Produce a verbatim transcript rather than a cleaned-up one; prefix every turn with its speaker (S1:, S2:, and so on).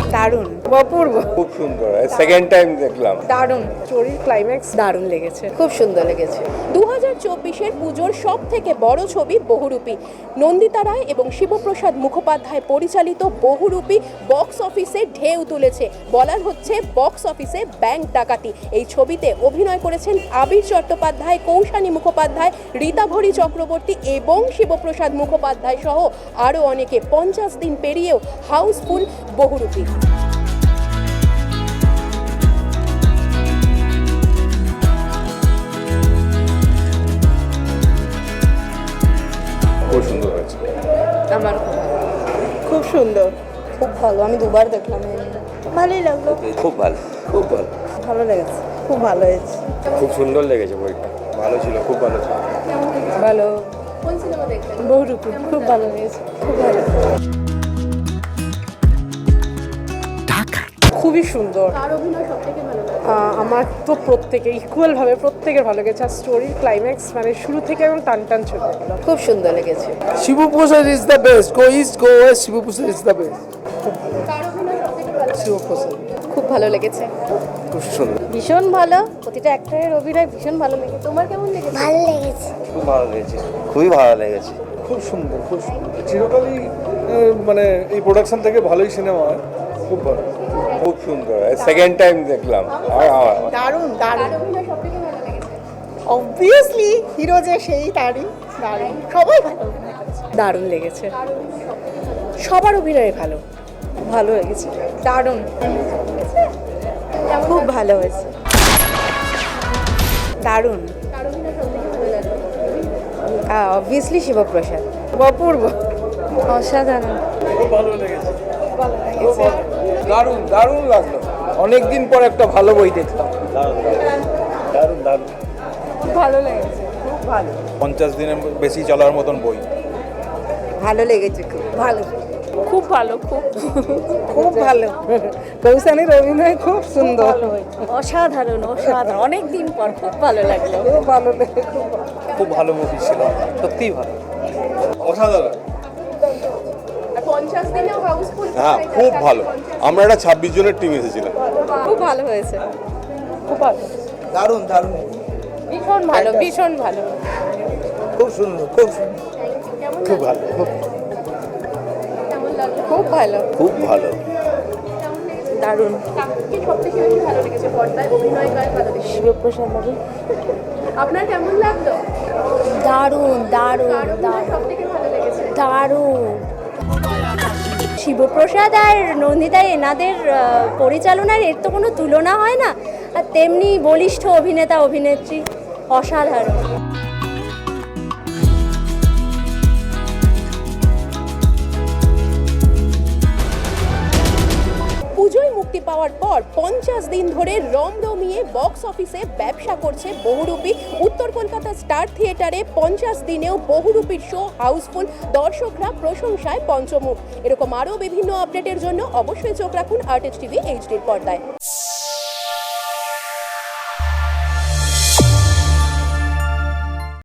S1: দারুণ, অপূর্ব,
S2: খুব সুন্দর। সেকেন্ড টাইম দেখলাম।
S1: দারুণ। স্টোরির ক্লাইম্যাক্স দারুণ লেগেছে, খুব সুন্দর লেগেছে।
S3: দু হাজার চব্বিশের পুজোর সব থেকে বড় ছবি বহুরূপী। নন্দিতা রায় এবং শিবপ্রসাদ মুখোপাধ্যায় পরিচালিত বহুরূপী বক্স অফিসে ঢেউ তুলেছে। বলার হচ্ছে বক্স অফিসে ব্যাংক ডাকাতি। এই ছবিতে অভিনয় করেছেন আবির চট্টোপাধ্যায়, কৌশানী মুখোপাধ্যায়, রীতাভরি চক্রবর্তী এবং শিবপ্রসাদ মুখোপাধ্যায় সহ আরও অনেকে। পঞ্চাশ দিন পেরিয়েও হাউসফুল বহুরূপী।
S2: খুব সুন্দর হয়েছে।
S1: আমার
S4: খুব সুন্দর,
S1: খুব ভালো, আমি দুবার দেখলাম।
S4: ভালোই লাগলো,
S2: খুব ভালো, খুব ভালো,
S4: ভালো লেগেছে, খুব ভালো হয়েছে।
S2: খুব সুন্দর লেগেছে বইটা। ভালো ছিল, খুব ভালো ছিল।
S1: ভালো,
S3: কোন সিনেমা দেখলেন?
S1: বহুরূপী, খুব ভালো লেগেছে, খুব ভালো, খুবই সুন্দর।
S3: কার অভিনয় সবথেকে ভালো লাগে?
S1: আহ, আমার তো প্রত্যেকে ইকুয়াল ভাবে প্রত্যেকের ভালো লেগেছে। আর স্টোরির ক্লাইম্যাক্স মানে শুরু থেকে এবং টান টান চলে গেল, খুব সুন্দর লেগেছে।
S5: Shiboprosad is the best, go east go west, Shiboprosad is the best.
S3: কার অভিনয় সবথেকে ভালো লাগে?
S5: শিবপ্রসাদ
S3: খুব ভালো লেগেছে,
S2: খুব সুন্দর,
S3: ভীষণ ভালো। প্রতিটা অ্যাক্টরের অভিনয় ভীষণ ভালো লেগেছে। তোমার কেমন লেগেছে?
S6: ভালো লেগেছে।
S2: খুব ভালো লেগেছে, খুবই ভালো লেগেছে।
S5: খুব সুন্দর, খুব সুন্দর। চিরকালই আহ, মানে এই প্রোডাকশন থেকে ভালোই সিনেমা হয়, খুব ভালো।
S2: খুব সুন্দর। সেকেন্ড টাইম দেখলাম।
S4: দারুণ দারুণ,
S3: কার অভিনয় সবথেকে ভালো লেগেছে?
S4: অবভিয়াসলি হিরো যে সেই তারই দারুণ, সবাই ভালো অভিনয় করেছে।
S1: দারুণ লেগেছে, সবার অভিনয় ভালো, ভালো লেগেছে, দারুণ, খুব ভালো হয়েছে, দারুণ।
S3: কার অভিনয় সবথেকে ভালো লাগে?
S1: অবভিয়াসলি শিবপ্রসাদ, অপূর্ব, অসাধারণ,
S5: খুব ভালো লেগেছে,
S2: দারুণ, দারুণ লাগলো।
S5: অনেকদিন পর একটা ভালো বই দেখলাম।
S2: দারুণ, দারুণ।
S1: ভালো লেগেছে, খুব ভালো,
S5: পঞ্চাশ দিনের বেশি চলার মতন বই।
S1: ভালো লেগেছে, খুব ভালো,
S3: খুব ভালো, খুব
S1: খুব ভালো। কৌশানীর অভিনয় খুব সুন্দর,
S3: অসাধারণ, অসাধারণ। অনেক দিন পর খুব ভালো লাগলো।
S1: খুব ভালো লেগেছে, খুব ভালো।
S5: খুব ভালো মুভি ছিল, সত্যিই ভালো, অসাধারণ।
S3: পঞ্চাশ দিনেও হাউসফুল।
S7: হ্যাঁ, খুব ভালো। আমরা একটা ছাব্বিশ জনের টিম এসেছিলাম।
S3: খুব ভালো হয়েছে,
S1: খুব ভালো,
S5: দারুণ দারুণ,
S3: ভীষণ ভালো, ভীষণ ভালো।
S5: খুব সুন্দর, খুব সুন্দর, খুব ভালো, খুব
S3: কেমন লাগলো?
S1: খুব ভালো,
S7: খুব ভালো।
S1: দারুণ।
S3: কাকে সবথেকে বেশি ভালো লেগেছে পর্দায় অভিনয়? কার ভালো লেগেছে?
S1: শিবপ্রসাদ বাবু,
S3: আপনার কেমন লাগলো?
S6: দারুণ দারুণ
S3: কার অভিনয় সবথেকে ভালো লেগেছে?
S6: দারুণ। শিবপ্রসাদ আর নন্দিতা এনাদের আহ, পরিচালনার এর তো কোনো তুলনা হয় না। আর তেমনি বলিষ্ঠ অভিনেতা অভিনেত্রী, অসাধারণ।
S3: পুজোয় মুক্তি পাওয়ার পর পঞ্চাশ দিন ধরে রমরমিয়ে বক্স অফিসে ব্যবসা করছে বহুরূপী। উত্তর কলকাতা স্টার থিয়েটারে পঞ্চাশ দিনেও বহুরূপীর শো হাউসফুল, দর্শকরা প্রশংসায় পঞ্চমুখ। এরকম আরও বিভিন্ন আপডেটের জন্য অবশ্যই চোখ রাখুন আর্টিস্ট টিভি এইচডির পর্দায়।